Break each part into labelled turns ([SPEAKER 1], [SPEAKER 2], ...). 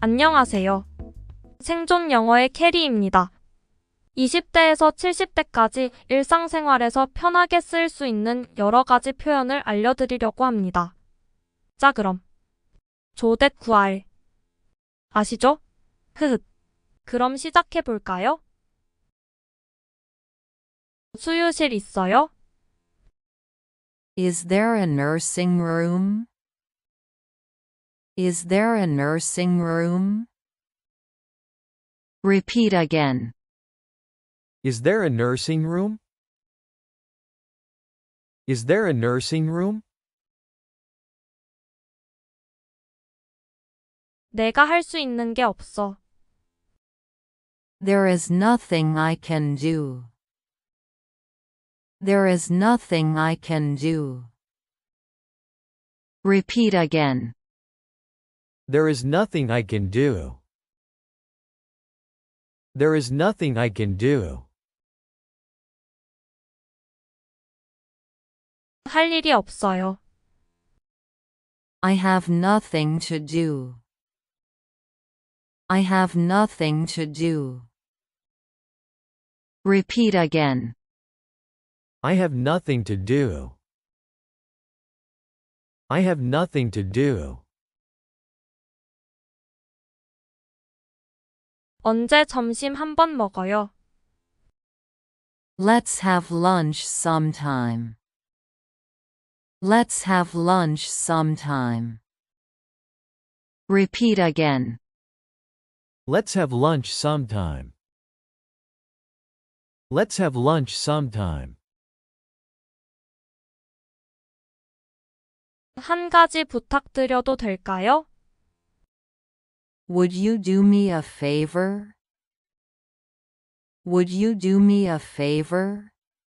[SPEAKER 1] 안녕하세요. 생존 영어의 캐리입니다. 20대에서 70대까지 일상생활에서 편하게 쓸 수 있는 여러 가지 표현을 알려드리려고 합니다. 자, 그럼 조댓 구할 아시죠? 흐흐. 그럼 시작해 볼까요? 수유실 있어요?
[SPEAKER 2] Is there a nursing room? Is there a nursing room? Repeat again.
[SPEAKER 3] Is there a nursing room? Is there a nursing room?
[SPEAKER 1] 내가 할 수 있는 게 없어.
[SPEAKER 2] There is nothing I can do. There is nothing I can do. Repeat again.
[SPEAKER 3] There is nothing I can do. There is nothing I can do.
[SPEAKER 1] 할 일이 없어요.
[SPEAKER 2] I have nothing to do. I have nothing to do. Repeat again.
[SPEAKER 3] I have nothing to do. I have nothing to do.
[SPEAKER 1] 언제 점심 한 번 먹어요?
[SPEAKER 2] Let's have lunch sometime. Let's have lunch sometime. Repeat again.
[SPEAKER 3] Let's have lunch sometime. Let's have lunch sometime.
[SPEAKER 1] 한 가지 부탁드려도 될까요?
[SPEAKER 2] Would you do me a favor? Would you do me a favor?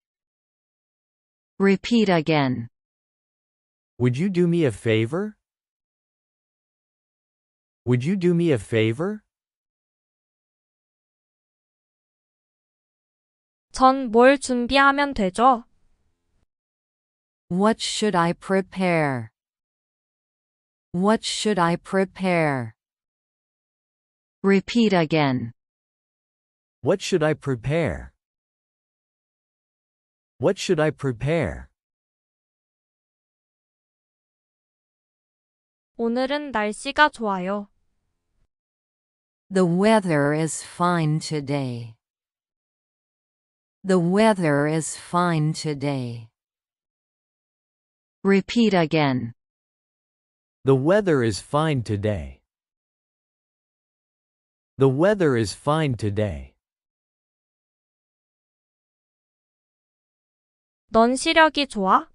[SPEAKER 2] Repeat again.
[SPEAKER 3] Would you do me a favor? Would you do me a favor?
[SPEAKER 1] 전 뭘 준비하면 되죠?
[SPEAKER 2] What should I prepare? What should I prepare? Repeat again.
[SPEAKER 3] What should I prepare? What should I prepare?
[SPEAKER 1] 오늘은 날씨가 좋아요.
[SPEAKER 2] The weather is fine today. The weather is fine today. Repeat again.
[SPEAKER 3] The weather is fine today. The weather is fine today.
[SPEAKER 1] 넌 시력이 좋아?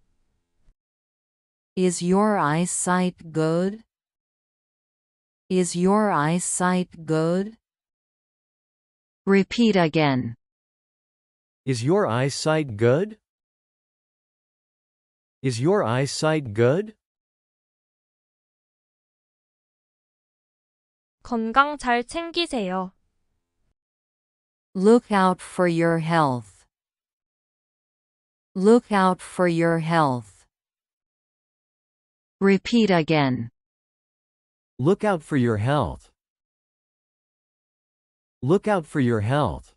[SPEAKER 2] Is your eyesight good? Is your eyesight good? Repeat again.
[SPEAKER 3] Is your eyesight good? Is your eyesight good?
[SPEAKER 1] 건강 잘 챙기세요.
[SPEAKER 2] Look out for your health. Look out for your health. Repeat again.
[SPEAKER 3] Look out for your health. Look out for your health.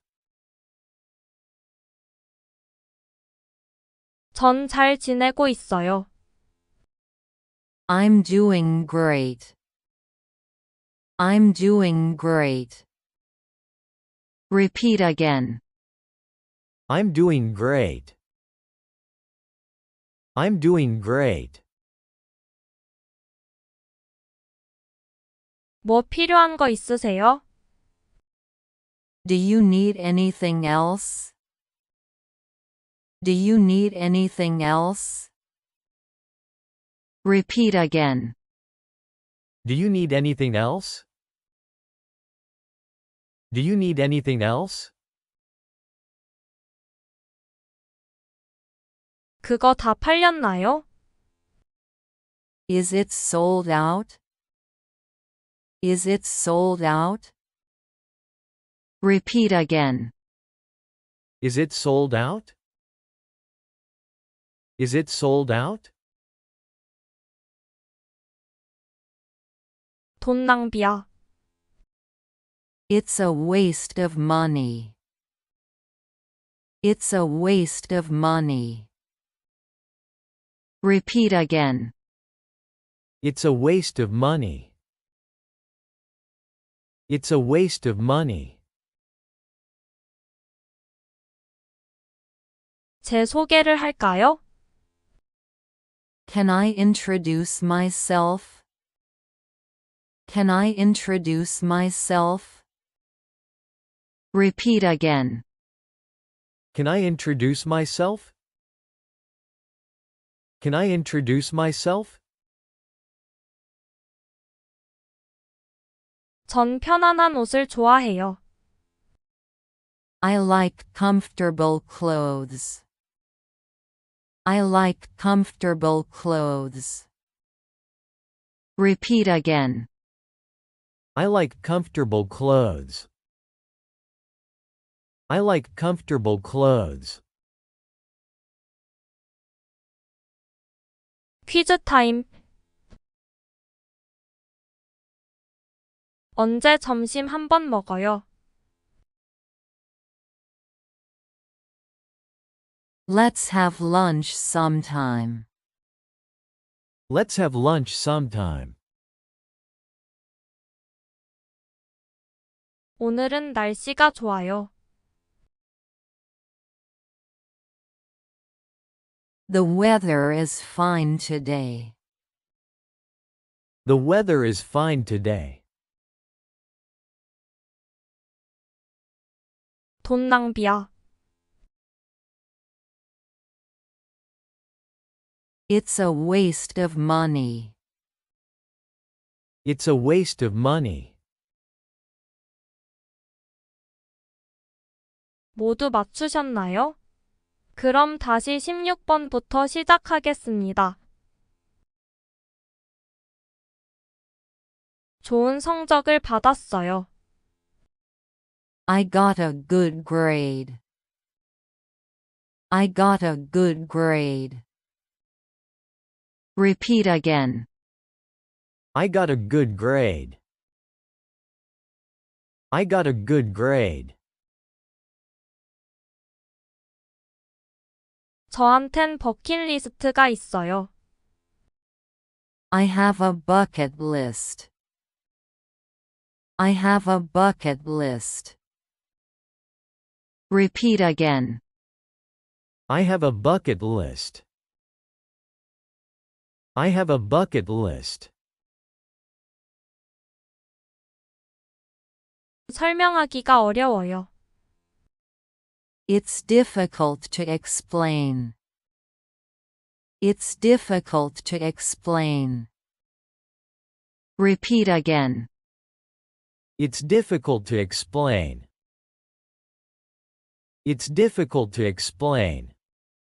[SPEAKER 1] 전 잘 지내고 있어요.
[SPEAKER 2] I'm doing great. I'm doing great. Repeat again.
[SPEAKER 3] I'm doing great. I'm doing great.
[SPEAKER 1] 뭐 필요한 거 있으세요?
[SPEAKER 2] Do you need anything else? Do you need anything else? Repeat again.
[SPEAKER 3] Do you need anything else? Do you need anything else?
[SPEAKER 1] 그거 다 팔렸나요?
[SPEAKER 2] Is it sold out? Is it sold out? Repeat again.
[SPEAKER 3] Is it sold out? Is it sold out?
[SPEAKER 1] 돈 낭비야.
[SPEAKER 2] It's a waste of money. It's a waste of money. Repeat again.
[SPEAKER 3] It's a waste of money. It's a waste of money.
[SPEAKER 1] 제 소개를 할까요?
[SPEAKER 2] Can I introduce myself? Can I introduce myself? Repeat again.
[SPEAKER 3] Can I introduce myself? Can I introduce myself?
[SPEAKER 1] 전 편안한 옷을 좋아해요.
[SPEAKER 2] I like comfortable clothes. I like comfortable clothes. Repeat again.
[SPEAKER 3] I like comfortable clothes. I like comfortable clothes.
[SPEAKER 1] 퀴즈 타임. 언제 점심 한 번 먹어요?
[SPEAKER 2] Let's have lunch sometime.
[SPEAKER 3] Let's have lunch sometime.
[SPEAKER 1] 오늘은 날씨가 좋아요.
[SPEAKER 2] The weather is fine today.
[SPEAKER 3] The weather is fine today.
[SPEAKER 1] 돈 낭비야.
[SPEAKER 2] It's a waste of money.
[SPEAKER 3] It's a waste of money.
[SPEAKER 1] 모두 맞추셨나요? 그럼 다시 16번부터 시작하겠습니다. 좋은 성적을 받았어요.
[SPEAKER 2] I got a good grade. I got a good grade. Repeat again.
[SPEAKER 3] I got a good grade. I got a good grade.
[SPEAKER 1] 저한텐 버킷리스트가 있어요.
[SPEAKER 2] I have a bucket list. I have a bucket list. Repeat again.
[SPEAKER 3] I have a bucket list. I have a bucket list.
[SPEAKER 1] 설명하기가 어려워요.
[SPEAKER 2] It's difficult to explain. It's difficult to explain. Repeat again.
[SPEAKER 3] It's difficult to explain. It's difficult to explain.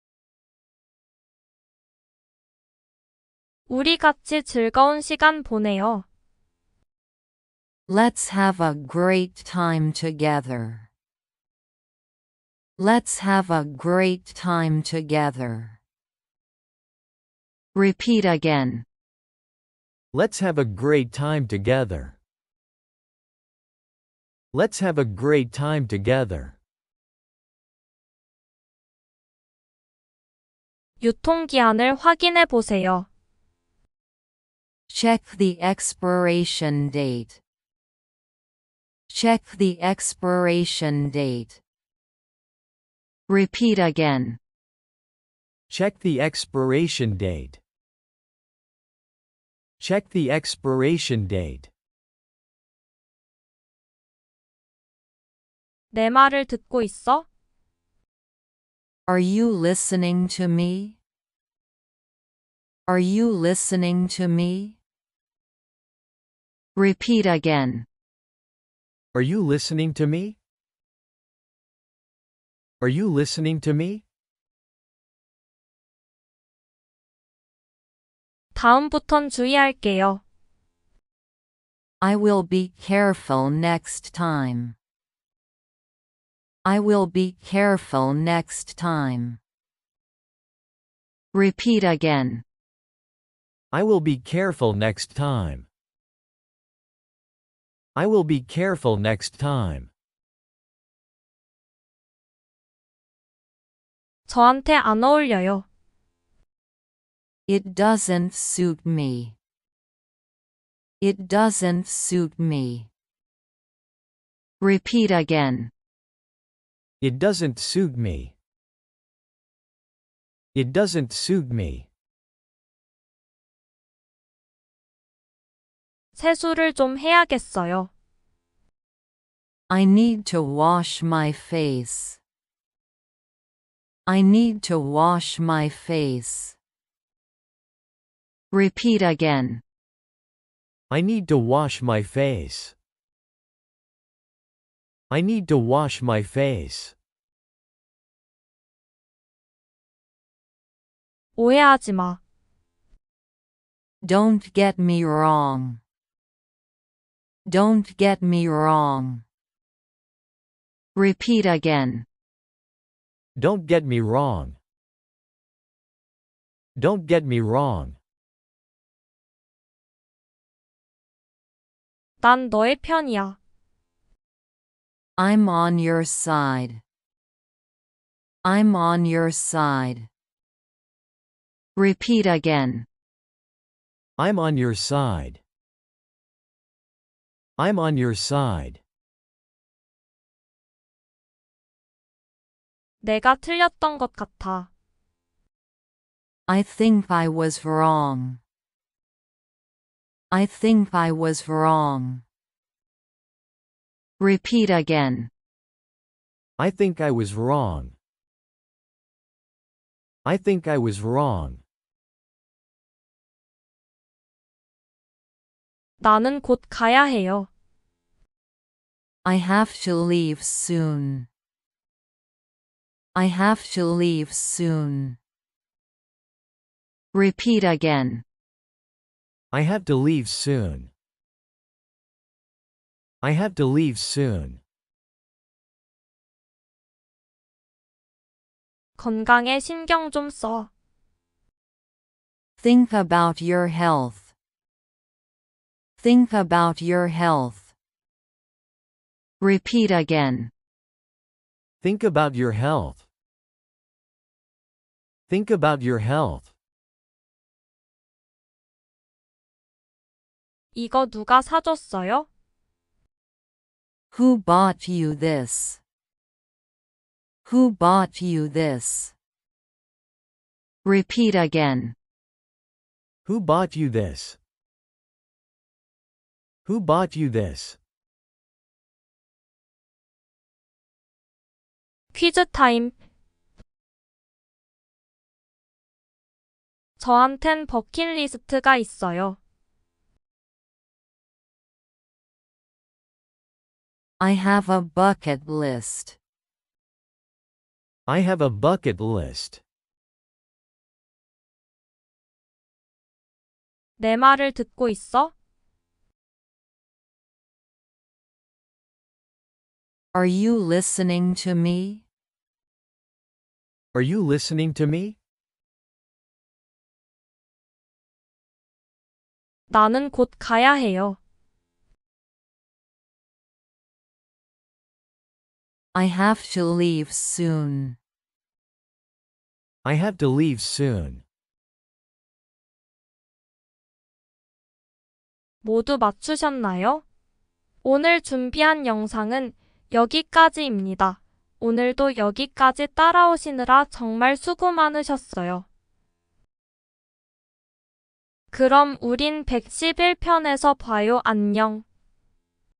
[SPEAKER 1] 우리 같이 즐거운 시간 보내요.
[SPEAKER 2] Let's have a great time together. Let's have a great time together. Repeat again.
[SPEAKER 3] Let's have a great time together. Let's have a great time together.
[SPEAKER 1] 유통기한을 확인해 보세요.
[SPEAKER 2] Check the expiration date. Check the expiration date. Repeat again.
[SPEAKER 3] Check the expiration date. Check the expiration date.
[SPEAKER 1] 내 말을 듣고 있어?
[SPEAKER 2] Are you listening to me? Are you listening to me? Repeat again.
[SPEAKER 3] Are you listening to me? Are you listening to me?
[SPEAKER 1] 다음부턴 주의할게요.
[SPEAKER 2] I will be careful next time. I will be careful next time. Repeat again.
[SPEAKER 3] I will be careful next time. I will be careful next time.
[SPEAKER 1] 저한테 안 어울려요.
[SPEAKER 2] It doesn't suit me. It doesn't suit me. Repeat again.
[SPEAKER 3] It doesn't suit me. It doesn't suit me.
[SPEAKER 1] 세수를 좀 해야겠어요.
[SPEAKER 2] I need to wash my face. I need to wash my face. Repeat again.
[SPEAKER 3] I need to wash my face. I need to wash my face.
[SPEAKER 1] 오해하지 마.
[SPEAKER 2] Don't get me wrong. Don't get me wrong. Repeat again.
[SPEAKER 3] Don't get me wrong. Don't get me wrong.
[SPEAKER 1] 난 너의 편이야.
[SPEAKER 2] I'm on your side. I'm on your side. Repeat again.
[SPEAKER 3] I'm on your side. I'm on your side.
[SPEAKER 1] 내가 틀렸던 것 같아.
[SPEAKER 2] I think I was wrong. I think I was wrong. Repeat again.
[SPEAKER 3] I think I was wrong. I think I was wrong.
[SPEAKER 1] 나는 곧 가야 해요.
[SPEAKER 2] I have to leave soon. I have to leave soon. Repeat again.
[SPEAKER 3] I have to leave soon. I have to leave soon.
[SPEAKER 1] 건강에 신경 좀 써.
[SPEAKER 2] Think about your health. Think about your health. Repeat again.
[SPEAKER 3] Think about your health. Think about your health.
[SPEAKER 1] 이거 누가 사줬어요?
[SPEAKER 2] Who bought you this? Who bought you this? Repeat again.
[SPEAKER 3] Who bought you this? Who bought you this?
[SPEAKER 1] 퀴즈 타임. 저한텐 버킷리스트가 있어요.
[SPEAKER 2] I have a bucket list.
[SPEAKER 3] I have a bucket list.
[SPEAKER 1] 내 말을 듣고 있어?
[SPEAKER 2] Are you listening to me?
[SPEAKER 3] Are you listening to me?
[SPEAKER 1] 나는 곧 가야 해요.
[SPEAKER 2] I have to leave soon.
[SPEAKER 3] I have to leave soon.
[SPEAKER 1] 모두 맞추셨나요? 오늘 준비한 영상은 여기까지입니다. 오늘도 여기까지 따라오시느라 정말 수고 많으셨어요. 그럼 우린 111편에서 봐요. 안녕.